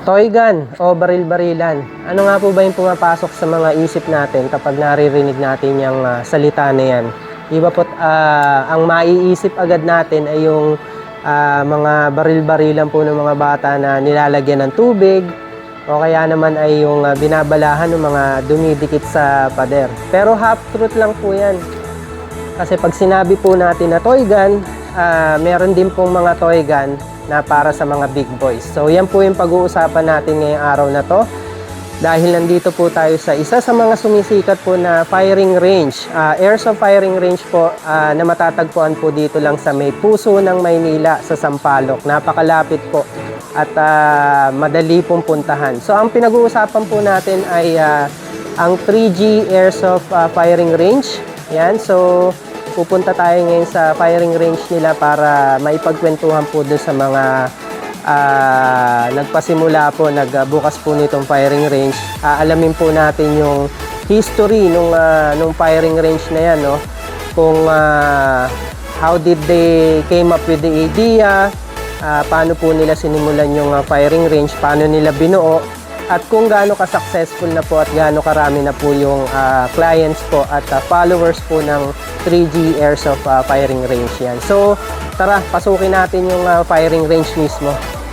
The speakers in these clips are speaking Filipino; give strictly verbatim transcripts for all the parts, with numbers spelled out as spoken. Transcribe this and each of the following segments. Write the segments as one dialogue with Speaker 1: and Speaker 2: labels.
Speaker 1: Toy gun o baril-barilan. Ano nga po ba yung pumapasok sa mga isip natin kapag naririnig natin yung uh, salita na yan? Di ba po, uh, ang maiisip agad natin ay yung uh, mga baril-barilan po ng mga bata na nilalagyan ng tubig o kaya naman ay yung uh, binabalahan ng mga dumidikit sa pader. Pero half truth lang po yan. Kasi pag sinabi po natin na toy gun, uh, meron din pong mga toy gun na para sa mga big boys. So yan po yung pag-uusapan natin ngayong araw na to. Dahil nandito po tayo sa isa sa mga sumisikat po na firing range. Uh, airsoft firing range po uh, na matatagpuan po dito lang sa may puso ng Maynila sa Sampaloc. Napakalapit po at uh, madali pong puntahan. So ang pinag-uusapan po natin ay uh, ang three G Airsoft uh, Firing Range. Yan, so pupunta tayo ngayon sa firing range nila para maipagkwentuhan po doon sa mga uh, nagpasimula po, nagbukas po nitong firing range. Uh, alamin po natin yung history nung, uh, nung firing range na yan, no? Kung uh, how did they came up with the idea, uh, paano po nila sinimulan yung uh, firing range, paano nila binuo, at kung gaano ka-successful na po at gaano karami na po yung uh, clients po at uh, followers po ng three G Airsoft uh, firing range yan. So, tara, pasukin natin yung uh, firing range mismo.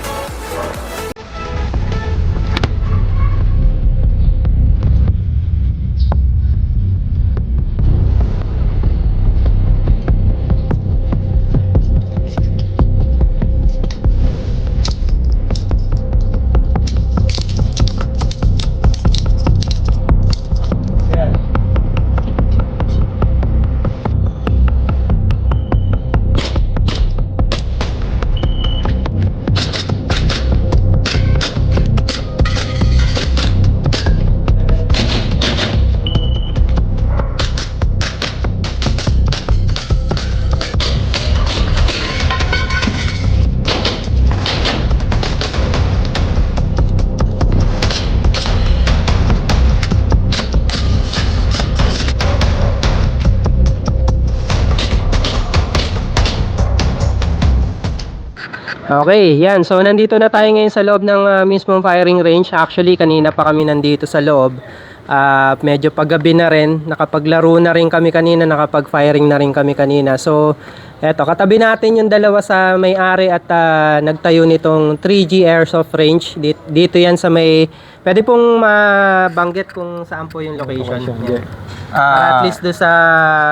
Speaker 1: Okay, yan. So, nandito na tayo ngayon sa loob ng uh, mismong firing range. Actually, kanina pa kami nandito sa loob. Uh, medyo paggabi na rin. Nakapaglaro na rin kami kanina. Nakapag-firing na rin kami kanina. So, eto, katabi natin yung dalawa sa may-ari at uh, nagtayo nitong three G Airsoft Range. Dito, dito yan sa may... Pwede pong mabanggit kung saan po yung location. Yan. Uh, at least do sa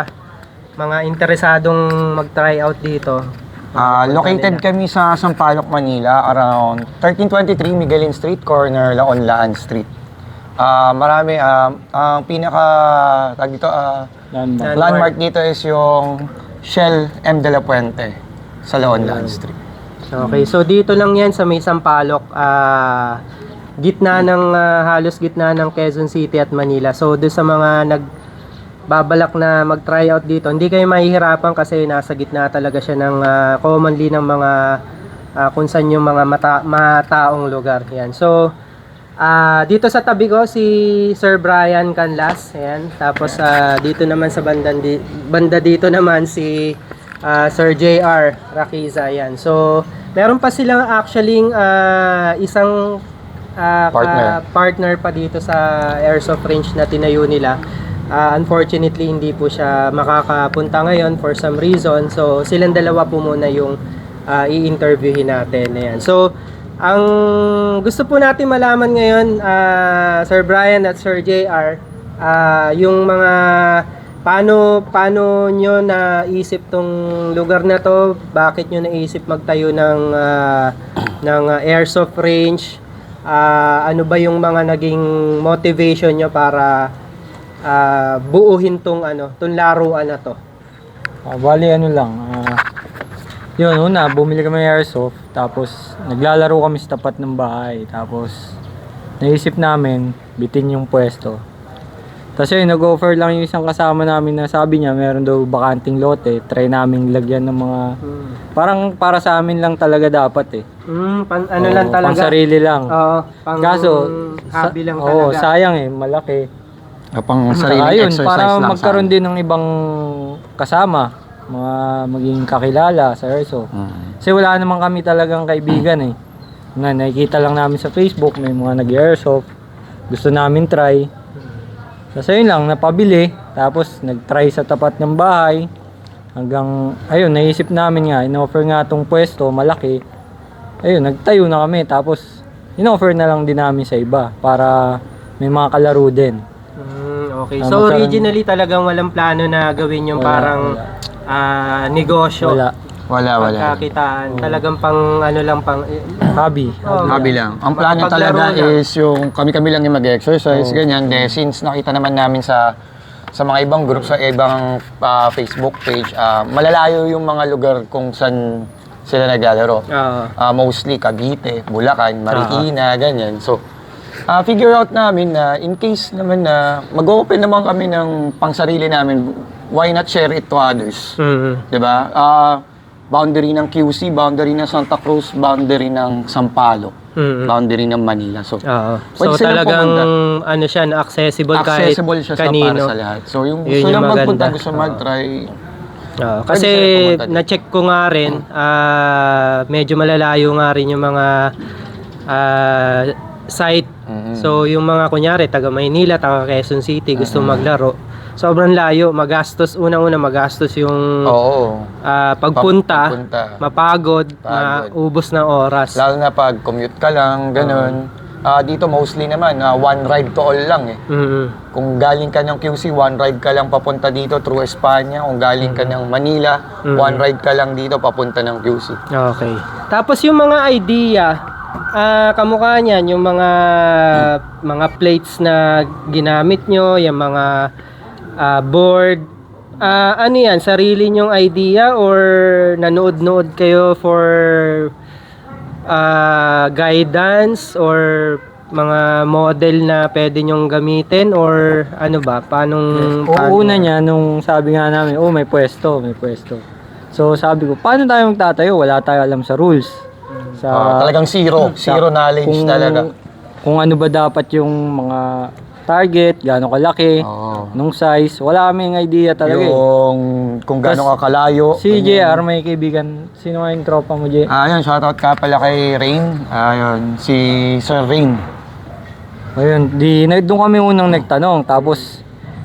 Speaker 1: mga interesadong mag-try out dito.
Speaker 2: Uh, located kami sa Sampaloc, Manila, around thirteen twenty-three Miguelin Street, corner Laon-Laan Street. Uh, marami, uh, ang pinaka tag dito, uh, landmark. landmark dito is yung Shell M. De La Puente sa Laon-Laan Street.
Speaker 1: Okay, so dito lang yan sa may Sampaloc, uh, gitna ng, uh, halos gitna ng Quezon City at Manila. So doon sa mga nag babalak na mag-try out dito, hindi kayo mahihirapan kasi nasa gitna talaga siya ng uh, commonly ng mga uh, kung saan yung mga mata mataong lugar. Yan. So, uh, dito sa tabi ko si Sir Brian Canlas. Yan. Tapos uh, dito naman sa banda, di banda dito naman si uh, Sir J R Raquiza. Yan. So, meron pa silang actually uh, isang uh,
Speaker 2: partner.
Speaker 1: partner pa dito sa airsoft range na tinayo nila. Uh, unfortunately, hindi po siya makakapunta ngayon for some reason. So, silang dalawa po muna yung uh, i-interviewin natin. Ayan. So, ang gusto po natin malaman ngayon, uh, Sir Brian at Sir J R, uh, yung mga paano, paano nyo naisip tong lugar na to, bakit nyo naisip magtayo ng, uh, ng uh, airsoft range, uh, ano ba yung mga naging motivation nyo para Uh, buuhin tong ano, tong laruan na to.
Speaker 3: Uh, bali ano lang, uh, yun una, bumili kami ng airsoft, tapos naglalaro kami sa tapat ng bahay, tapos naisip namin, bitin yung pwesto. Tapos yun, nag-offer lang yung isang kasama namin na sabi niya, meron daw bakanting lote, try namin lagyan ng mga, hmm. parang para sa amin lang talaga dapat eh.
Speaker 1: Hmm, pan, ano
Speaker 3: Oo,
Speaker 1: lang talaga?
Speaker 3: Pang sarili lang.
Speaker 1: Oo, pang
Speaker 3: Kaso,
Speaker 1: hobby lang
Speaker 3: oo,
Speaker 1: talaga.
Speaker 3: sayang eh, malaki.
Speaker 2: Uh, pang sariling
Speaker 3: ayun,
Speaker 2: exercise
Speaker 3: para
Speaker 2: lang
Speaker 3: magkaroon din ng ibang kasama, mga maging kakilala sa airsoft.
Speaker 2: Mm.
Speaker 3: Kasi wala naman kami talagang kaibigan eh, Na nakikita lang namin sa Facebook, may mga nag-airsoft. Gusto namin try. Tapos ayun lang, napabili. Tapos nag-try sa tapat ng bahay. Hanggang, ayun, naisip namin nga, in-offer nga tong pwesto, malaki. Ayun, nagtayo na kami. Tapos, in-offer na lang din namin sa iba para may mga kalaro din.
Speaker 1: Mm, okay.
Speaker 3: Ah,
Speaker 1: So
Speaker 3: magkaroon-
Speaker 1: originally talagang walang plano na gawin yung
Speaker 3: Wala,
Speaker 1: parang
Speaker 3: wala.
Speaker 1: ah, negosyo.
Speaker 3: Wala.
Speaker 2: Wala, wala.
Speaker 1: Pagkakitaan. Talagang pang ano lang pang
Speaker 3: Hobby.
Speaker 1: Oh,
Speaker 2: Hobby lang. Ang plano
Speaker 1: Makapaglaro
Speaker 2: talaga
Speaker 1: lang.
Speaker 2: is yung kami-kami lang yung mag-exercise, ganyan. De, since nakita naman namin sa sa mga ibang group, sa ibang ah, Facebook page, ah, malalayo yung mga lugar kung saan sila naglalaro.
Speaker 1: Oo.
Speaker 2: Ah, mostly Cavite, Bulacan, Marikina, ganyan. So, ah, figure out namin na in case naman na mag-open naman kami ng pangsarili namin, why not share it to others?
Speaker 1: Mhm.
Speaker 2: 'Di ba? Ah, boundary ng Q C, boundary ng Santa Cruz, boundary ng Sampaloc,
Speaker 1: Mhm.
Speaker 2: boundary ng Manila. So,
Speaker 1: Oo.
Speaker 2: Pwede
Speaker 1: So
Speaker 2: silang
Speaker 1: talagang
Speaker 2: pumunta.
Speaker 1: ano siya, na accessible,
Speaker 2: accessible
Speaker 1: kahit
Speaker 2: siya sa
Speaker 1: kanino.
Speaker 2: para sa lahat. So, yung
Speaker 1: Yun
Speaker 2: gusto
Speaker 1: yung
Speaker 2: lang magpunta,
Speaker 1: maganda.
Speaker 2: gusto
Speaker 1: Oo.
Speaker 2: mag-try,
Speaker 1: Oo,
Speaker 2: Pwede
Speaker 1: kasi
Speaker 2: sila pumunta dito.
Speaker 1: na-check ko nga rin, ah, medyo malalayo nga rin yung mga ah, site.
Speaker 2: Mhm.
Speaker 1: So yung mga kunyari taga Maynila, taga Quezon City gusto maglaro. Sobrang layo, magastos, unang-una magastos yung
Speaker 2: oo.
Speaker 1: ah, pagpunta,
Speaker 2: Pagpunta.
Speaker 1: mapagod,
Speaker 2: Pagod.
Speaker 1: maubos ng oras.
Speaker 2: Lalo na pag commute ka lang, ganun. Ah, dito mostly naman, ah, one ride to all lang eh.
Speaker 1: Mhm.
Speaker 2: Kung galing ka ng Q C, one ride ka lang papunta dito through Espanya. Kung galing ka ng Manila,
Speaker 1: Mm.
Speaker 2: one ride ka lang dito papunta ng Q C.
Speaker 1: Okay. Tapos yung mga idea, ah kamukha niyan, yung mga mga plates na ginamit nyo, yung mga ah, board, ah, ano yan, sarili nyong idea or nanood-nood kayo for ah, guidance or mga model na pwede nyong gamitin or ano ba, paanong
Speaker 3: Oo, una niya, nung sabi nga namin, oh may pwesto, may pwesto. So sabi ko, paano tayo magtatayo? Wala tayo alam sa rules. Sa,
Speaker 2: Ah, talagang zero. Zero knowledge
Speaker 3: kung,
Speaker 2: talaga.
Speaker 3: Kung ano ba dapat yung mga target, gaano kalaki,
Speaker 2: Oo.
Speaker 3: nung size, wala kaming idea talaga eh.
Speaker 2: Yung kung gaano ka kalayo.
Speaker 3: Si J R, may kaibigan, sino nga yung tropa mo, J?
Speaker 2: Ah, yun, shoutout ka pala kay Rain. Ayun, si Sir Rain.
Speaker 3: Ayun, di, na, doon kami unang nagtanong, tapos,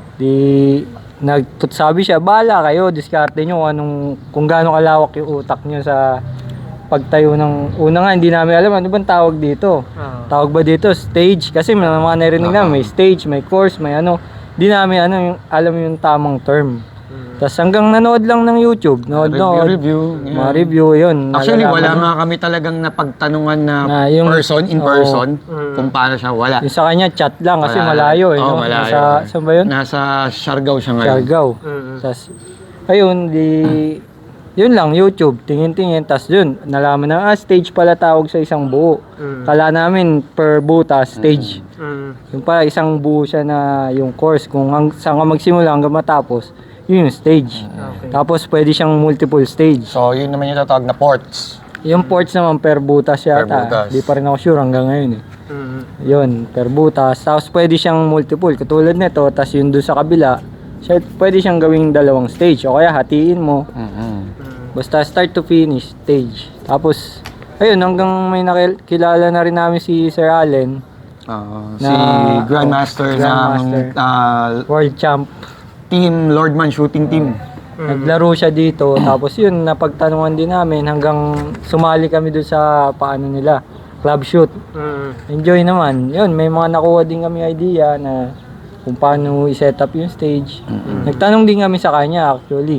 Speaker 3: di, nagtutsabi siya, bala kayo, diskarte nyo kung anong, kung gaano kalawak yung utak nyo sa pagtayo ng, una nga, hindi namin alam, ano bang tawag dito?
Speaker 1: Ah.
Speaker 3: Tawag ba dito? Stage? Kasi may mga narinig namin, may stage, may course, may ano, di namin ano, yung, alam yung tamang term. Tapos hanggang nanood lang ng YouTube, nood, nood,
Speaker 2: Review, review.
Speaker 3: mga review, yun.
Speaker 2: Actually, wala
Speaker 3: nalalaman-
Speaker 2: nga kami talagang napagtanungan na,
Speaker 3: Na yung-
Speaker 2: person, in
Speaker 3: Oo.
Speaker 2: person,
Speaker 1: Mm.
Speaker 2: kung paano siya, wala.
Speaker 3: Yung sa kanya, chat lang kasi
Speaker 2: Wala.
Speaker 3: malayo eh.
Speaker 2: Oo,
Speaker 3: no?
Speaker 2: malayo.
Speaker 3: Nasa, saan ba yun?
Speaker 2: Nasa Siargao siya ngayon.
Speaker 3: Siargao.
Speaker 1: Mhm.
Speaker 3: Tas, ayun, di, yun lang, YouTube, tingin-tingin, tas yun, nalaman na, ah, stage pala tawag sa isang buo.
Speaker 1: Mhm.
Speaker 3: Kala namin, per butas, stage.
Speaker 1: Mhm.
Speaker 3: Yung pala, isang buo siya na yung course, kung hang, saan ka magsimula hanggang matapos, yun yung stage.
Speaker 1: Okay.
Speaker 3: Tapos, pwede siyang multiple stage.
Speaker 2: So, yun naman yung tatawag na ports.
Speaker 3: Yung ports naman, per butas yata.
Speaker 2: Per butas.
Speaker 3: Di pa rin ako sure hanggang ngayon eh.
Speaker 1: Mhm.
Speaker 3: Yun, per butas. Tapos pwede siyang multiple. Katulad nito, tapos yun doon sa kabila, siya, pwede siyang gawing dalawang stage. O kaya hatiin mo.
Speaker 2: Mhm.
Speaker 3: Basta start to finish stage. Tapos, ayun, hanggang may nakilala na rin namin si Sir Allen,
Speaker 2: Ah,
Speaker 3: Na-
Speaker 2: si Grandmaster,
Speaker 3: Grandmaster.
Speaker 2: ng ah,
Speaker 3: world champ.
Speaker 2: team, Lordman Shooting Team.
Speaker 3: Naglaro siya dito. Tapos yun, napagtanungan din namin hanggang sumali kami doon sa paano nila, club shoot.
Speaker 1: Mhm.
Speaker 3: Enjoy naman. Yun, may mga nakuha din kami idea na kung paano i-set up yung stage. Nagtanong din kami sa kanya actually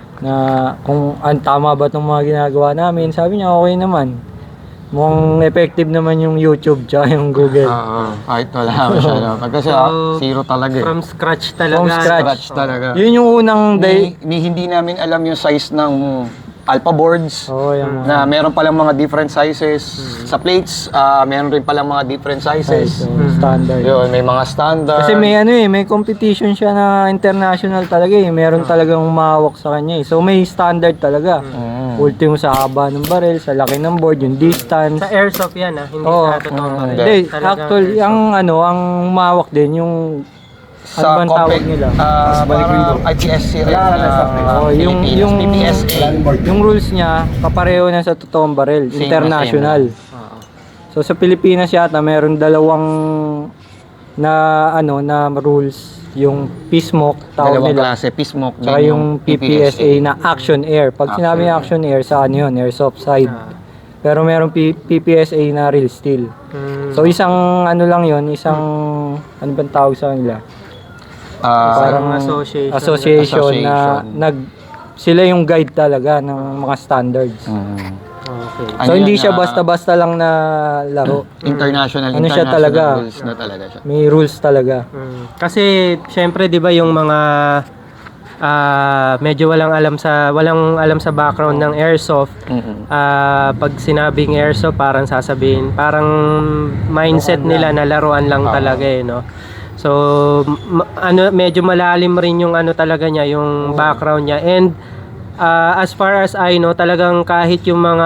Speaker 3: na kung ang tama ba itong mga ginagawa namin. Sabi niya okay naman. Mukhang effective naman yung YouTube tsaka yung Google.
Speaker 2: Oo, kahit wala mo siya. No? Kasi ah,
Speaker 1: So,
Speaker 2: zero talaga eh.
Speaker 1: From scratch talaga.
Speaker 3: From scratch.
Speaker 2: Scratch talaga.
Speaker 3: Yun yung unang day.
Speaker 2: Ni, ni hindi namin alam yung size ng alpha boards.
Speaker 3: Oo, yung mga
Speaker 2: Na meron palang mga different sizes. Sa plates, ah meron rin palang mga different sizes.
Speaker 3: size, so, standard.
Speaker 2: Yun, may mga standard.
Speaker 3: Kasi may ano eh, may competition siya na international talaga eh. Meron talagang umawak sa kanya eh. So may standard talaga.
Speaker 2: Mm.
Speaker 3: Ultimo sa haba ng barrel, sa laki ng board, yung distance.
Speaker 1: Sa airsoft yan ah, hindi
Speaker 3: Oo.
Speaker 1: sa totoo.
Speaker 2: Mm,
Speaker 3: Hindi,
Speaker 1: Talagang
Speaker 3: actually, ang ano, ang umawak din yung ano bang tawag nila?
Speaker 2: Ah, parang I P S C rin. na
Speaker 3: Oo, yung
Speaker 2: Philippines,
Speaker 3: yung
Speaker 2: P P S A.
Speaker 3: yung rules niya kapareho na sa totoong barrel,
Speaker 2: Same na
Speaker 3: international. So sa Pilipinas yata meron dalawang na ano na rules, yung P-smoke tawag
Speaker 2: Dalawang
Speaker 3: nila.
Speaker 2: klase, P-smoke,
Speaker 3: Saka
Speaker 2: then
Speaker 3: yung P P S A na action air. Pag sinabi
Speaker 2: Action
Speaker 3: ng action air, sa ano yun, airsoft side.
Speaker 1: Ah.
Speaker 3: Pero meron P P S A na real steel.
Speaker 1: Mm.
Speaker 3: So isang ano lang yun, isang ano bang tawag sa kanila?
Speaker 2: Ah,
Speaker 1: Parang association.
Speaker 3: Association, na
Speaker 2: Association.
Speaker 3: nag sila yung guide talaga ng mga standards.
Speaker 2: mm,
Speaker 1: Okay.
Speaker 3: So
Speaker 2: Ano
Speaker 3: hindi
Speaker 2: yan,
Speaker 3: siya
Speaker 2: ah,
Speaker 3: basta-basta lang na laro.
Speaker 2: international,
Speaker 3: Ano siya
Speaker 2: international
Speaker 3: talaga?
Speaker 2: rules na talaga siya.
Speaker 3: May rules talaga.
Speaker 1: Mm. Kasi syempre 'di ba yung mga ah, medyo walang alam sa walang alam sa background ng airsoft.
Speaker 2: Mm-mm.
Speaker 1: Ah, pag sinabing airsoft parang sasabihin, parang mindset nila na laruan lang
Speaker 2: Ah.
Speaker 1: talaga eh, no. So ma- ano medyo malalim rin yung ano talaga niya, yung background niya. And ah, as far as I know, talagang kahit yung mga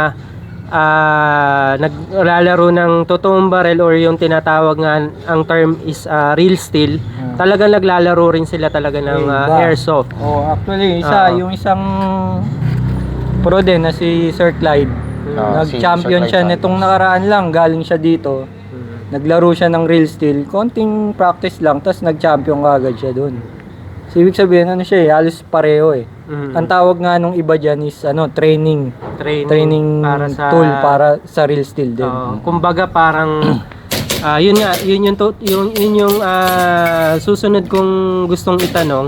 Speaker 1: ah, naglalaro ng totoong barrel or yung tinatawag nga ang term is ah, real steel, talagang naglalaro rin sila talaga ng ah,
Speaker 3: Iba.
Speaker 1: airsoft.
Speaker 3: Oh, actually, isa
Speaker 1: Oo.
Speaker 3: yung isang pro din na si Sir Clyde.
Speaker 2: Ah, si
Speaker 3: Nag-champion
Speaker 2: Sir
Speaker 3: siya
Speaker 2: Clyde
Speaker 3: nitong nakaraan lang, galing siya dito. Naglaro siya ng real steel, konting practice lang, tapos nag-champion agad siya doon. So, ibig sabihin, ano siya eh, halos pareho eh.
Speaker 1: Mhm.
Speaker 3: Ang tawag nga nung iba dyan is ano, training.
Speaker 1: Training,
Speaker 3: Training
Speaker 1: para sa
Speaker 3: tool para sa real steel din.
Speaker 1: Oo, kumbaga parang ah, yun nga, yun yung to, yung yun yung ah, susunod kong gustong itanong.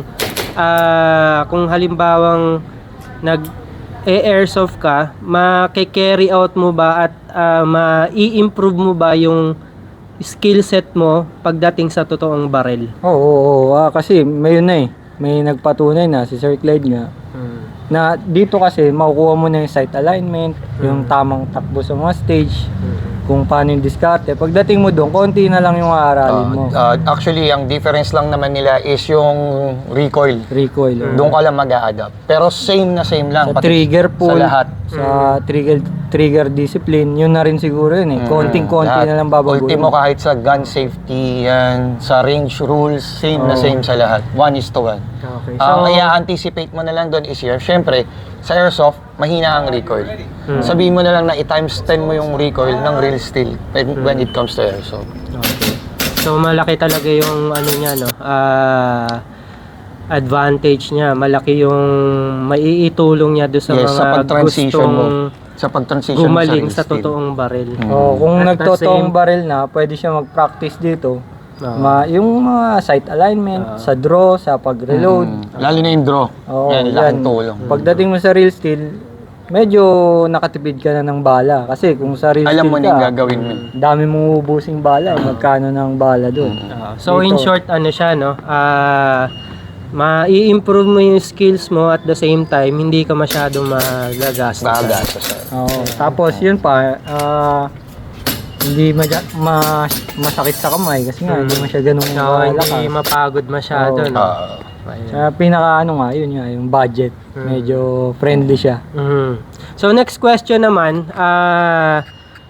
Speaker 1: Ah, kung halimbawang nag airsoft ka, ma-carry out mo ba at ah, ma-i-improve mo ba yung skill set mo pagdating sa totoong barrel?
Speaker 3: Oo, oo, oo. Ah, kasi may yun na eh. May nagpatunay na si Sir Clyde nga na dito kasi makukuha mo na yung sight alignment, yung tamang takbo sa mga stage, kung paano yung diskarte. Pagdating mo doon, konti na lang yung aaralin mo.
Speaker 2: Uh, uh, actually, ang difference lang naman nila is yung recoil.
Speaker 3: Recoil. oh.
Speaker 2: Doon ka lang mag-a-adapt. Pero same na same lang.
Speaker 3: Sa
Speaker 2: pati
Speaker 3: trigger pull,
Speaker 2: Sa lahat.
Speaker 3: sa trigger trigger discipline, yun na rin siguro yun eh. Konting-konti
Speaker 2: Lahat.
Speaker 3: na lang babaguhin.
Speaker 2: Ultimo kahit sa gun safety, yan, sa range rules, same na
Speaker 3: Oo.
Speaker 2: same sa lahat. One is to one.
Speaker 1: Okay.
Speaker 2: Ang i-anticipate mo na lang doon is here, syempre, sa airsoft, mahina ang recoil. Sabihin mo na lang na i-times ten mo yung recoil ng real steel when, when it comes to airsoft.
Speaker 1: Okay. So malaki talaga yung ano niya, no? Ah, advantage niya, malaki yung maiitulong niya do sa
Speaker 2: Yes, sa
Speaker 1: mga
Speaker 2: pag-transition mo.
Speaker 1: gustong
Speaker 2: Sa pag-transition mo
Speaker 1: gumaling
Speaker 2: real
Speaker 1: sa
Speaker 2: steel.
Speaker 1: totoong baril.
Speaker 3: Oh, kung
Speaker 1: At the
Speaker 3: nagtotoong
Speaker 1: same-
Speaker 3: barrel na, pwede siya mag-practice dito.
Speaker 1: Oo.
Speaker 3: Ma, yung mga sight alignment, sa draw, sa pag-reload.
Speaker 2: Mm. Lalo na yung draw.
Speaker 3: Oo,
Speaker 2: yan, laking tulong.
Speaker 3: Pagdating mo sa real steel, medyo nakatipid ka na ng bala. Kasi kung sa real
Speaker 2: Alam
Speaker 3: steel
Speaker 2: mo na yung
Speaker 3: ka,
Speaker 2: gagawin mo.
Speaker 3: dami mong ubusing bala. Magkano ng bala doon.
Speaker 1: Ah, so in
Speaker 3: Dito.
Speaker 1: short, ano siya, no? Ah, ma-i-improve mo yung skills mo at the same time, hindi ka masyadong magagastos.
Speaker 2: Magagastos.
Speaker 3: Oo. Tapos yun pa, ah, hindi madya, ma, masakit sa kamay kasi nga hindi mo siya ganun
Speaker 1: So,
Speaker 3: malakas.
Speaker 1: hindi mapagod masyado,
Speaker 3: Oo.
Speaker 1: no?
Speaker 2: Ah,
Speaker 1: Ayun.
Speaker 3: Sa pinaka ano nga, yun nga, yung budget. Medyo friendly siya.
Speaker 1: Mhm. So next question naman, ah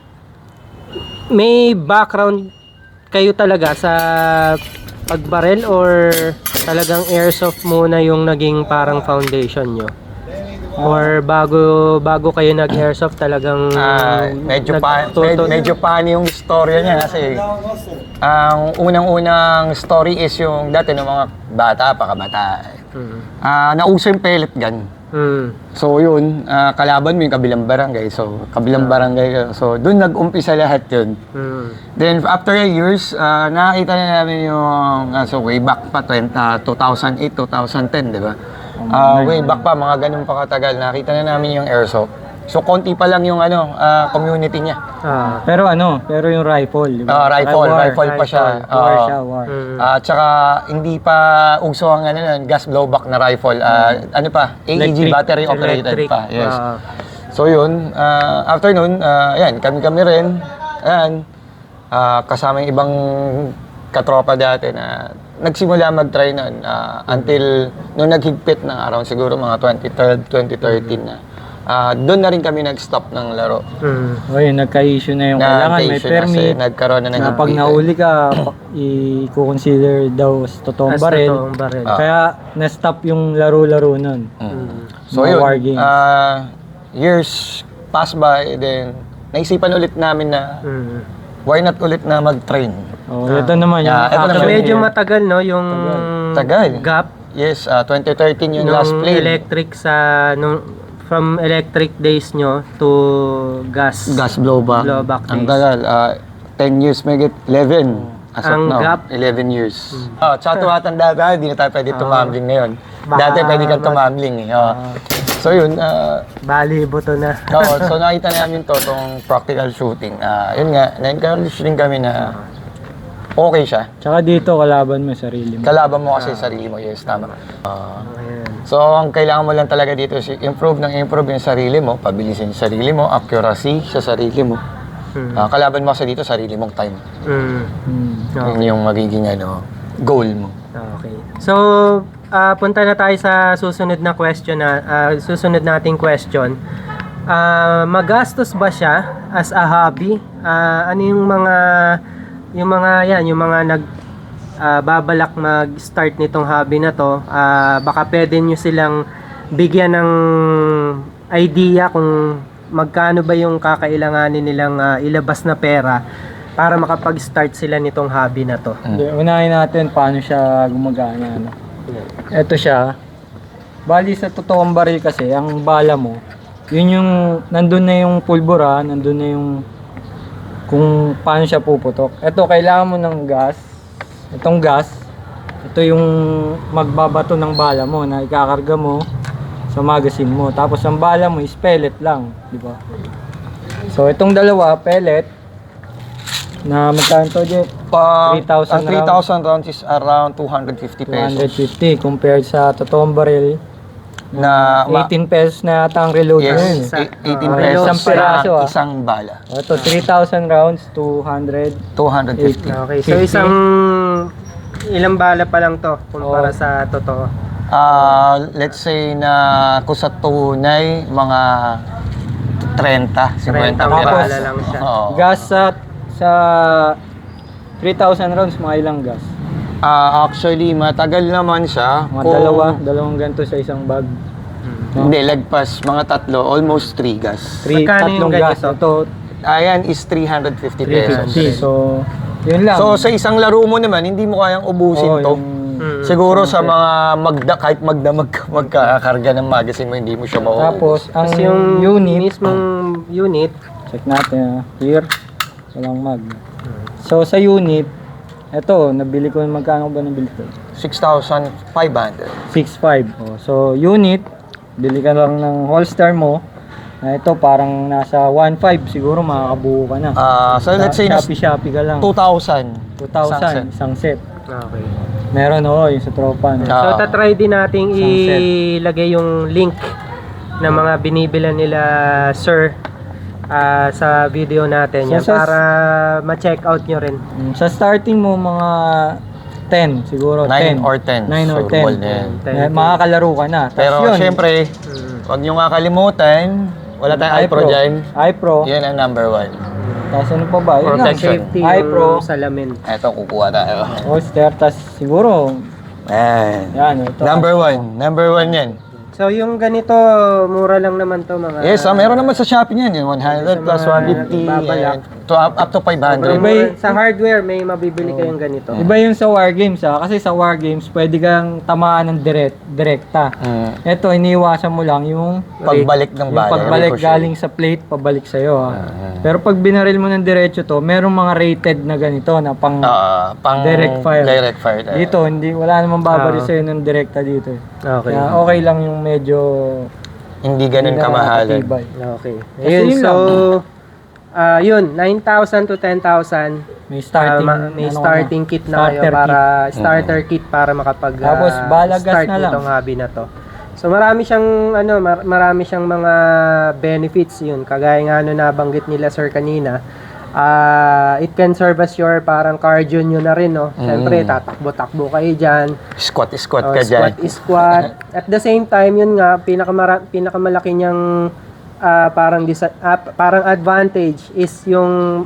Speaker 1: may background kayo talaga sa pagbarel or talagang airsoft muna yung naging parang foundation nyo? Or bago bago kayo nag-airsoft talagang
Speaker 2: Ah, medyo pa
Speaker 1: nagtuto-
Speaker 2: med- medyo paano yung istorya niya kasi ang unang-unang story is yung dati ng mga bata pa kabata.
Speaker 1: Mm.
Speaker 2: Ah, nauso yung pellet gun.
Speaker 1: Mm.
Speaker 2: So yun, ah, kalaban mo yung kabilang barangay. So kabilang barangay ka. So doon nag-umpisa lahat yun.
Speaker 1: Mm.
Speaker 2: Then after a years, ah, nakakita na namin yung ah, so way back pa twenty, ah, two thousand eight, two thousand ten, di ba? Ah, way back pa, mga ganun pa katagal, nakita na namin yung airsoft. So konti pa lang yung ano, ah, community niya.
Speaker 1: Ah.
Speaker 3: Pero ano, pero yung rifle, di
Speaker 2: Ah,
Speaker 3: ba?
Speaker 2: rifle,
Speaker 3: War,
Speaker 2: rifle pa siya.
Speaker 3: War
Speaker 2: Ah,
Speaker 3: siya, war.
Speaker 1: Mm.
Speaker 2: At saka hindi pa uso ang ano, nun, gas blowback na rifle. Ah, ano pa? A E G
Speaker 1: Electric.
Speaker 2: battery operated
Speaker 1: Electric.
Speaker 2: pa. Yes.
Speaker 1: Ah.
Speaker 2: So yun, ah, after nun, ah, ayan, kami-kami rin. Ayan, ah, kasama yung ibang katropa dati na nagsimula mag-try nun ah, until nung naghigpit ng around siguro mga twenty twelve, twenty thirteen na. Ah, doon na rin kami nag-stop ng laro.
Speaker 1: Mm.
Speaker 3: O yun, nagka-issue na yung kailangan, may
Speaker 2: Na-issue na kasi
Speaker 3: permit.
Speaker 2: nagkaroon na ng
Speaker 3: Na pag
Speaker 2: higpitan.
Speaker 3: nahuli ka, pa- i-consider daw sa totoong
Speaker 1: As
Speaker 3: baril.
Speaker 1: totoong baril.
Speaker 2: Ah.
Speaker 3: Kaya na-stop yung laro-laro nun.
Speaker 2: Mm. So
Speaker 3: Mga
Speaker 2: yun,
Speaker 3: war games.
Speaker 2: ah, years pass by, then naisipan ulit namin na
Speaker 1: Mm.
Speaker 2: why not ulit na mag-train.
Speaker 3: Oh, ito naman yung
Speaker 2: Yeah, ito
Speaker 1: So,
Speaker 2: naman.
Speaker 1: medyo matagal, no, yung
Speaker 2: Tagal.
Speaker 1: gap
Speaker 2: Yes, uh, twenty thirteen yung
Speaker 1: nung
Speaker 2: last plane.
Speaker 1: electric sa, nung, from electric days nyo to gas.
Speaker 2: Gas blowback.
Speaker 1: Blowback
Speaker 2: Ang
Speaker 1: days.
Speaker 2: tagal. Uh, ten years, may get eleven. As of
Speaker 1: Ang
Speaker 2: now,
Speaker 1: gap?
Speaker 2: eleven years. Oh, tsaka tumatanda tayo, hindi na tayo pwede tumambling ngayon.
Speaker 1: Baka
Speaker 2: Dati pwede kang
Speaker 1: mag-
Speaker 2: tumambling eh. Oh. So yun, uh,
Speaker 1: Bali, buto na.
Speaker 2: Oo, so nakita namin to, tong practical shooting. Ah, yun nga, na-encourage din kami na okay siya.
Speaker 3: Tsaka dito, kalaban mo yung sarili mo.
Speaker 2: Kalaban mo kasi sarili mo, yes, tama. Ah,
Speaker 1: Ayan.
Speaker 2: so, ang kailangan mo lang talaga dito is improve ng improve yung sarili mo, pabilisin yung sarili mo, accuracy sa sarili mo.
Speaker 1: Hmm.
Speaker 2: Ah, kalaban mo kasi dito, sarili mong time.
Speaker 1: Mm.
Speaker 3: Hmm.
Speaker 2: Yun yung magiging ano, goal mo.
Speaker 1: Okay. So, ah, punta na tayo sa susunod na question na ah, susunod nating question. Ah, magastos ba siya as a hobby? Ah, ano yung mga yung mga yan, yung mga nag ah, babalak mag-start nitong hobby na to? Ah, baka pwede nyo silang bigyan ng idea kung magkano ba yung kakailanganin nilang ah, ilabas na pera para makapag-start sila nitong hobby na to.
Speaker 3: Hindi, unahin natin paano siya gumagana. Ano. Ito siya. Bali sa totoong baril kasi, ang bala mo, yun yung, nandun na yung pulbura, nandun na yung kung paano siya puputok. Ito, kailangan mo ng gas. Itong gas, ito yung magbabato ng bala mo na ikakarga mo sa magazine mo. Tapos ang bala mo is pellet lang, di ba? So itong dalawa, pellet, na magkano to, Jeff?
Speaker 2: Pa,
Speaker 3: three thousand
Speaker 2: ang three thousand rounds is around two hundred fifty
Speaker 3: two hundred
Speaker 2: pesos.
Speaker 3: fifty compared sa totoong baril.
Speaker 2: Na, ma-
Speaker 3: eighteen pesos na ata ang reload
Speaker 2: yes,
Speaker 3: yun.
Speaker 1: Sa-
Speaker 2: e- eighteen
Speaker 1: ah,
Speaker 2: pesos
Speaker 3: isang piraso,
Speaker 2: sa
Speaker 3: ah.
Speaker 2: isang bala.
Speaker 3: Ito, three thousand rounds, two hundred.
Speaker 2: two hundred fifty.
Speaker 1: Okay, so
Speaker 3: fifty.
Speaker 1: isang ilang bala pa lang to kumpara
Speaker 3: Oo.
Speaker 1: sa totoo.
Speaker 2: Ah, let's say na kung sa tunay, mga thirty, fifty
Speaker 1: thirty
Speaker 2: piraso.
Speaker 1: bala lang siya.
Speaker 2: Oo.
Speaker 3: Gas sa, sa three thousand rounds, mga ilang gas?
Speaker 2: Ah, actually, matagal naman siya.
Speaker 3: Mga
Speaker 2: Kung-
Speaker 3: dalawa, dalawang ganito sa isang bag.
Speaker 2: Hindi, lagpas. Mga tatlo, almost three gas.
Speaker 3: Three,
Speaker 1: Magkano yung
Speaker 3: tatlong gas.
Speaker 1: ganito?
Speaker 3: Ito,
Speaker 2: Ayan is three hundred fifty
Speaker 3: three
Speaker 2: pesos.
Speaker 3: fifty. So, yun lang.
Speaker 2: So, sa isang laro mo naman, hindi mo kayang ubusin
Speaker 3: Oo,
Speaker 2: to.
Speaker 3: yung-
Speaker 1: Mm.
Speaker 2: Siguro sa mga magda, kahit magdamag ka magkakarga ng magazine mo, hindi mo siya mauubos.
Speaker 3: Tapos, ang
Speaker 1: Kasi yung
Speaker 3: unit,
Speaker 1: mismong unit,
Speaker 3: check natin, ah. Here, walang mag. So, sa unit, eto, nabili ko, magkano ba nabili ko?
Speaker 2: six thousand five hundred.
Speaker 3: six five. Oh, so, unit, bili ka lang ng holster mo. Na ito, parang nasa one five siguro makakabuo ka na.
Speaker 2: Ah, so let's say na
Speaker 3: Shopee, Shopee ka lang.
Speaker 2: two thousand.
Speaker 3: two thousand, isang set.
Speaker 1: okay.
Speaker 3: Meron oo, yung sa tropa. No?
Speaker 2: Ah.
Speaker 1: So, tatry din nating
Speaker 3: Sunset.
Speaker 1: ilagay yung link ng mga binibilan nila Sir ah, sa video natin yan
Speaker 3: So, sa-
Speaker 1: para ma-check out nyo rin.
Speaker 3: Mm, Sa starting mo, mga ten siguro.
Speaker 2: nine
Speaker 3: ten.
Speaker 2: or ten.
Speaker 3: nine or
Speaker 2: So,
Speaker 3: ten.
Speaker 2: ball na yan.
Speaker 1: ten.
Speaker 3: Eh, Makakalaro ka na. Tapos
Speaker 2: Pero
Speaker 3: yun,
Speaker 2: syempre,
Speaker 1: Mm.
Speaker 2: wag nyo nga kalimutan, wala tayong iPro dyan.
Speaker 3: iPro.
Speaker 2: Yan ang number one.
Speaker 3: Tapos ano pa ba? Yun lang.
Speaker 2: Protection.
Speaker 1: Safety
Speaker 3: iPro.
Speaker 1: yung salamin.
Speaker 2: Eto, kukuha tayo.
Speaker 3: Holster. Tapos siguro,
Speaker 2: Ayan.
Speaker 3: yan. Ito,
Speaker 2: Number one. Number one yan.
Speaker 1: So, yung ganito, mura lang naman to mga...
Speaker 2: Yes, ah, meron naman sa Shopee yan. Yung one hundred
Speaker 1: Sa
Speaker 2: plus
Speaker 1: mga
Speaker 2: one fifty.
Speaker 1: babalak.
Speaker 2: yan. To, up, up to five hundred.
Speaker 1: Sobrang
Speaker 3: Iba
Speaker 1: mura.
Speaker 3: y-
Speaker 1: Sa hardware, may mabibili kayong ganito.
Speaker 3: Iba yung sa war games ha. Kasi sa war games, pwede kang tamaan ng direct, direkta.
Speaker 2: Mm.
Speaker 3: Ito, iniwasan mo lang yung
Speaker 2: Pagbalik ng
Speaker 3: yung
Speaker 2: bala.
Speaker 3: pagbalik
Speaker 2: ricochet.
Speaker 3: galing sa plate, pabalik sa'yo ha. Pero pag binaril mo ng diretso to, merong mga rated na ganito na pang
Speaker 2: Ah, pang
Speaker 3: direct fire.
Speaker 2: Direct fire. tayo.
Speaker 3: dito, hindi, wala namang babaril
Speaker 1: Ah.
Speaker 3: sa'yo ng direkta dito. eh.
Speaker 1: Okay.
Speaker 3: Kaya okay lang yung medyo
Speaker 2: Hindi ganun
Speaker 3: hindi na
Speaker 2: kamahalan.
Speaker 3: nakakatibay.
Speaker 1: Okay.
Speaker 3: Kasi
Speaker 1: Ayun,
Speaker 3: yun
Speaker 1: so, ah yun, nine thousand to ten thousand.
Speaker 3: May starting,
Speaker 1: Ah, ma- may
Speaker 3: ano
Speaker 1: starting
Speaker 3: na,
Speaker 1: kit na kayo
Speaker 3: starter
Speaker 1: para starter kit para makapag ah,
Speaker 3: Tapos, balagas
Speaker 1: start
Speaker 3: na lang.
Speaker 1: nitong hobby na to. So marami siyang ano mar- marami siyang mga benefits yun. Kagaya nga ano nabanggit nila sir kanina. Ah, it can serve as your parang cardio nyo na rin, no. Syempre
Speaker 2: Mm.
Speaker 1: tatakbo-takbo kayo diyan.
Speaker 2: Squat, squat
Speaker 1: Oh,
Speaker 2: ka dyan.
Speaker 1: squat is squat. At the same time, yun nga, pinakamara, pinakamalaki niyang ah, parang, disa- ah, parang advantage is yung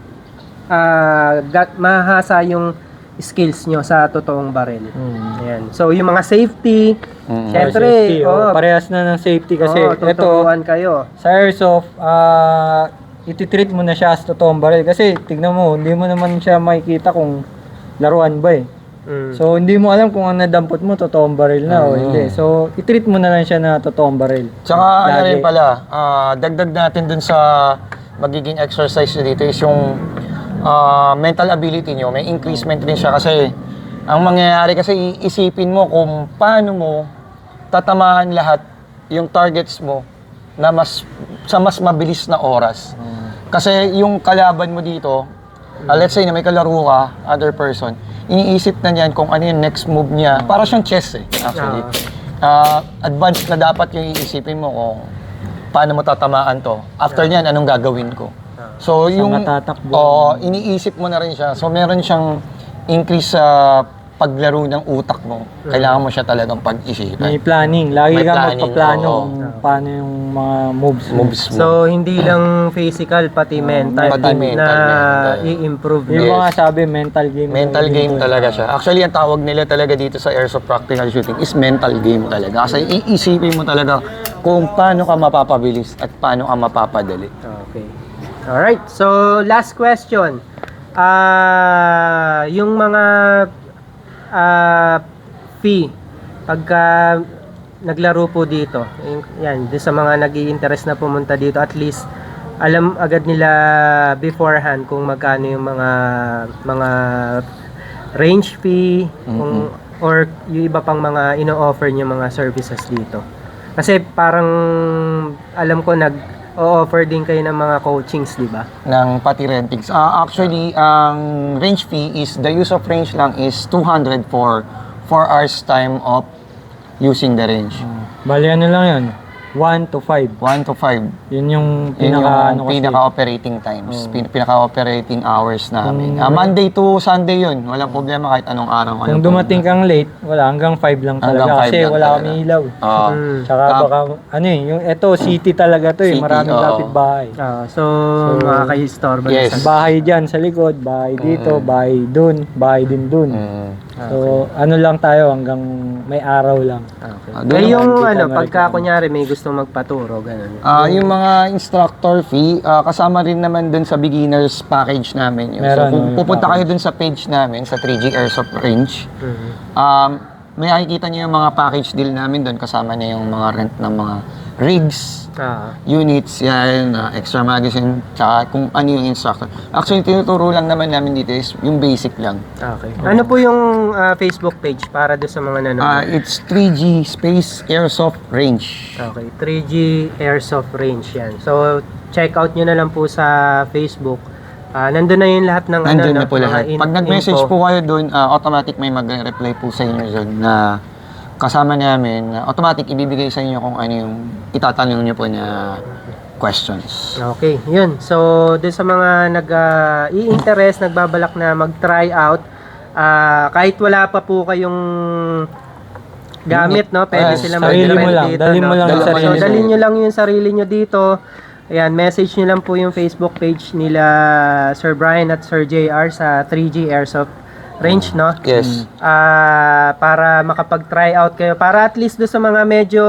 Speaker 1: ah, gat, mahasa yung skills nyo sa totoong baril. Ayan. So, yung mga safety,
Speaker 2: Mm.
Speaker 1: syempre,
Speaker 3: safety, oh,
Speaker 1: oh,
Speaker 3: parehas na ng safety kasi
Speaker 1: oh,
Speaker 3: ito
Speaker 1: tuturuan kayo.
Speaker 3: sa airsoft, ah, ititreat mo na siya as totoong baril. Kasi tignan mo, hindi mo naman siya makikita kung laruan ba eh.
Speaker 1: Mm.
Speaker 3: So, hindi mo alam kung ang nadampot mo, totoong baril na o hindi. So, itreat mo na lang siya na totoong baril.
Speaker 2: Tsaka ano
Speaker 3: Lagi.
Speaker 2: rin pala, ah, dagdag natin dun sa magiging exercise nyo dito is yung ah, mental ability nyo. May increasement rin siya kasi ang mangyayari kasi iisipin mo kung paano mo tatamaan lahat yung targets mo na mas sa mas mabilis na oras. Kasi yung kalaban mo dito, ah, let's say na may kalaro ka, other person, iniisip na niyan kung ano yung next move niya. Para siyang chess eh, actually. Ah, advanced na dapat yung iisipin mo kung paano mo tatamaan to. After niyan, anong gagawin ko. So, yung
Speaker 3: matatakbo.
Speaker 2: oh, iniisip mo na rin siya. So, meron siyang increase sa paglaro ng utak mo. Kailangan mo siya talagang pag-isipan.
Speaker 3: May planning. Lagi
Speaker 2: May
Speaker 3: kang
Speaker 2: planning,
Speaker 3: magpaplano
Speaker 2: oo.
Speaker 3: kung paano yung mga moves mo.
Speaker 2: Moves mo.
Speaker 1: So, hindi lang physical, pati mental,
Speaker 2: pati mental,
Speaker 1: na
Speaker 2: mental.
Speaker 1: i-improve.
Speaker 3: Yung
Speaker 2: Yes.
Speaker 3: mga sabi, mental game.
Speaker 2: Mental
Speaker 3: yung
Speaker 2: game
Speaker 3: dito.
Speaker 2: talaga siya. Actually, ang tawag nila talaga dito sa airsoft practical shooting is mental game talaga. Kasi iisipin mo talaga kung paano ka mapapabilis at paano ka mapapadali.
Speaker 1: Okay. Alright, so last question. Ah, yung mga ah, fee pagka naglaro po dito. yung- Yan, doon sa mga nag-i-interest na pumunta dito, at least alam agad nila beforehand kung magkano yung mga mga range fee kung or yung iba pang mga ino-offer niyo mga services dito. Kasi parang alam ko nag o-offer din kayo ng mga coachings, di ba?
Speaker 2: Ng pati rentings. Ah, actually, ang range fee is, the use of range lang is two hundred for four hours time of using the range.
Speaker 3: Bali, ano lang yun? one to five.
Speaker 2: one to five.
Speaker 3: Yun yung
Speaker 2: Yun
Speaker 3: pinaka, ano
Speaker 2: yung
Speaker 3: kasi.
Speaker 2: pinaka-operating times, pin- pinaka-operating hours namin. Ah, Monday to Sunday yun. Walang problema kahit anong araw.
Speaker 3: Kung
Speaker 2: anong
Speaker 3: dumating kang late, wala, hanggang five lang
Speaker 2: Hanggang
Speaker 3: talaga.
Speaker 2: five
Speaker 3: Kasi
Speaker 2: lang
Speaker 3: wala
Speaker 2: talaga.
Speaker 3: kami ilaw.
Speaker 2: Ah,
Speaker 1: Mm.
Speaker 3: Tsaka
Speaker 2: Tap-
Speaker 3: baka, ano eh, yung eto, city talaga to eh.
Speaker 2: City,
Speaker 3: Maraming
Speaker 2: oo.
Speaker 3: lapit bahay.
Speaker 1: Ah, so, makakaistorbo
Speaker 2: Yes.
Speaker 1: na sa
Speaker 3: Bahay dyan sa likod, bahay dito, bahay dun, bahay din dun.
Speaker 2: mm.
Speaker 3: So, ano lang tayo hanggang may araw lang.
Speaker 1: Okay.
Speaker 2: Ah, doon
Speaker 1: Eh, yung
Speaker 3: naman,
Speaker 1: ano,
Speaker 3: kita
Speaker 1: pagka
Speaker 3: ma-recommend.
Speaker 1: kunyari may gusto magpaturo, ganun.
Speaker 2: Ah, yung mga instructor fee, ah, kasama rin naman dun sa beginners package namin. Yun. So,
Speaker 3: Meron,
Speaker 2: kung
Speaker 3: yung
Speaker 2: pupunta kayo
Speaker 3: package.
Speaker 2: dun sa page namin, sa three G Airsoft Range,
Speaker 1: Mhm.
Speaker 2: um, may nakikita nyo yung mga package deal namin dun. Kasama na yung mga rent ng mga rigs,
Speaker 1: Ah,
Speaker 2: units, yan, ah, extra magazine, tsaka kung ano yung instructor. Actually, tinuturo lang naman namin dito is yung basic lang.
Speaker 1: okay. Ano po yung ah, Facebook page para doon sa mga nanonood?
Speaker 2: Ah, it's three G Space Airsoft Range.
Speaker 1: Okay, three G Airsoft Range yan. So, check out nyo na lang po sa Facebook. Ah, nandun na yung lahat ng
Speaker 2: Nandun
Speaker 1: ano,
Speaker 2: na po
Speaker 1: mga
Speaker 2: lahat.
Speaker 1: in-
Speaker 2: Pag nag-message
Speaker 1: info.
Speaker 2: po kayo doon, ah, automatic may magre-reply po sa inyo doon na kasama namin. na automatic ibibigay sa inyo kung ano yung itatanong nyo po na questions.
Speaker 1: Okay, yun. So, doon sa mga nag-i-interest, nagbabalak na mag-try out, ah, kahit wala pa po kayong gamit, no? Pwede
Speaker 2: Yes,
Speaker 1: sila
Speaker 3: sarili
Speaker 1: mag-rent
Speaker 3: mo lang.
Speaker 1: dito,
Speaker 3: Dalhin mo
Speaker 1: no?
Speaker 3: lang
Speaker 2: yung
Speaker 1: So,
Speaker 2: sarili mo.
Speaker 1: dalhin nyo lang yung sarili nyo dito. Ayan, message nyo lang po yung Facebook page nila Sir Brian at Sir J R sa three G Airsoft Range, no?
Speaker 2: Yes.
Speaker 1: Ah, para makapag-try out kayo. Para at least do sa mga medyo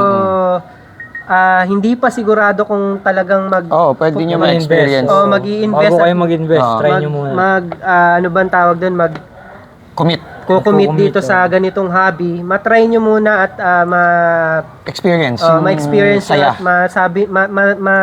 Speaker 1: ah, hindi pa sigurado kung talagang mag
Speaker 2: Oo, oh, pwede nyo
Speaker 3: Mag-invest.
Speaker 2: ma-experience.
Speaker 1: oh, mag-i-invest
Speaker 3: Bago
Speaker 1: at
Speaker 3: kayo mag-invest,
Speaker 2: Ah.
Speaker 3: try
Speaker 1: mag,
Speaker 3: nyo muna.
Speaker 1: mag ah, ano bang tawag doon? Mag
Speaker 2: Commit.
Speaker 1: kukumit
Speaker 3: Kukumit,
Speaker 1: dito
Speaker 3: oh.
Speaker 1: sa ganitong hobby. Ma-try nyo muna at ah, ma
Speaker 2: Experience.
Speaker 1: oh,
Speaker 2: yung
Speaker 1: ma-experience nyo
Speaker 2: saya.
Speaker 1: at masabi ma, ma, ma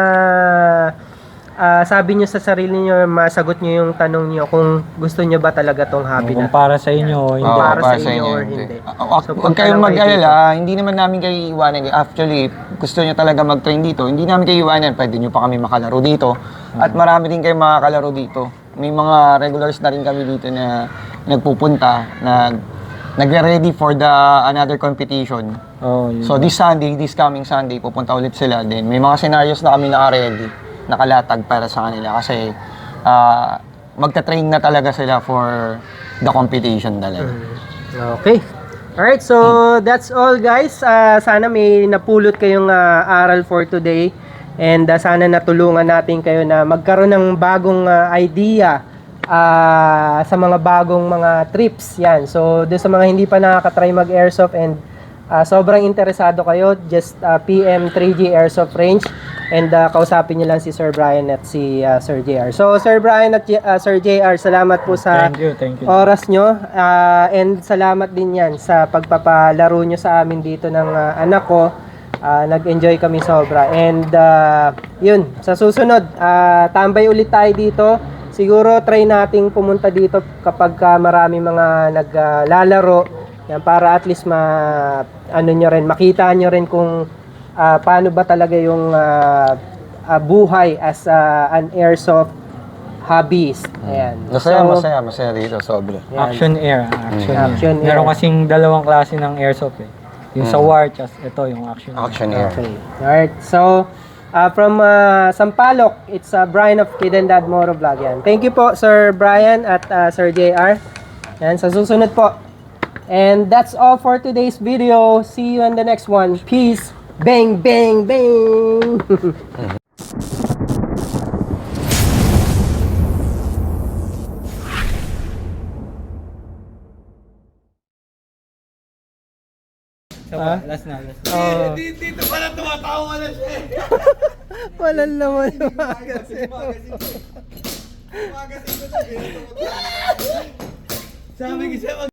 Speaker 1: ah, sabi nyo sa sarili nyo, masagot nyo yung tanong nyo kung gusto nyo ba talaga tong hobby
Speaker 3: Kung
Speaker 1: na.
Speaker 3: para sa inyo, o hindi.
Speaker 2: Oo,
Speaker 1: para sa
Speaker 2: para
Speaker 1: inyo or hindi.
Speaker 2: Ah, ah,
Speaker 1: So,
Speaker 2: Huwag
Speaker 1: punta
Speaker 2: kayong
Speaker 1: lang kayo
Speaker 2: mag-alala, hindi naman namin kayo iiwanan. Actually, gusto nyo talaga mag-train dito, hindi namin kayo iiwanan. Pwede nyo pa kami makalaro dito. At marami din kayo makakalaro dito. May mga regulars na rin kami dito na nagpupunta, nag nagre-ready for the another competition.
Speaker 3: Oh, yun.
Speaker 2: So this Sunday, this coming Sunday, pupunta ulit sila din. May mga scenarios na kami naka-ready, nakalatag para sa kanila kasi ah, magta-train na talaga sila for the competition talaga.
Speaker 1: Okay. Alright, so that's all guys. Ah, sana may napulot kayong ah, aral for today. And ah, sana natulungan natin kayo na magkaroon ng bagong ah, idea ah, sa mga bagong mga trips. Yan. So, doon sa mga hindi pa nakakatry mag-airsoft and ah, sobrang interesado kayo, just ah, P M three G Airsoft Range. And uh, kausapin niyo lang si Sir Brian at si uh, Sir J R. So Sir Brian at uh, Sir J R, salamat po sa
Speaker 3: Thank you, thank you.
Speaker 1: oras nyo. Uh, and salamat din yan sa pagpapalaro nyo sa amin dito ng uh, anak ko. Uh, nag-enjoy kami sobra. And uh, yun, sa susunod, uh, tambay ulit tayo dito. Siguro try nating pumunta dito kapag uh, marami mga naglalaro. Uh, yan, para at least ma, ano nyo rin, makita nyo rin kung uh, paano ba talaga yung uh, uh, buhay as uh, an airsoft hobbyist. Ayan.
Speaker 2: Masaya,
Speaker 1: So,
Speaker 2: masaya, masaya dito, sobra.
Speaker 1: yan.
Speaker 3: Action Air, Action,
Speaker 1: Mm. Action
Speaker 3: Air. Meron
Speaker 1: Air.
Speaker 3: kasing dalawang klase ng airsoft eh. Yung sa war, just ito yung Action Air.
Speaker 2: Action Air.
Speaker 1: Okay. Alright. So, uh, from uh, Sampaloc, it's uh, Brian of Kid and Dad Moro Vlog. Yan. Thank you po, Sir Brian at uh, Sir J R. Yan, sa susunod po. And that's all for today's video. See you in the next one. Peace. Bang, bang, bang.
Speaker 3: Ah? Last na, last na.
Speaker 1: Oh.
Speaker 4: Dito pala tumatawa na siya.
Speaker 1: Walang laman yung magazine.
Speaker 4: Magasin ko na. Sabi ko siya,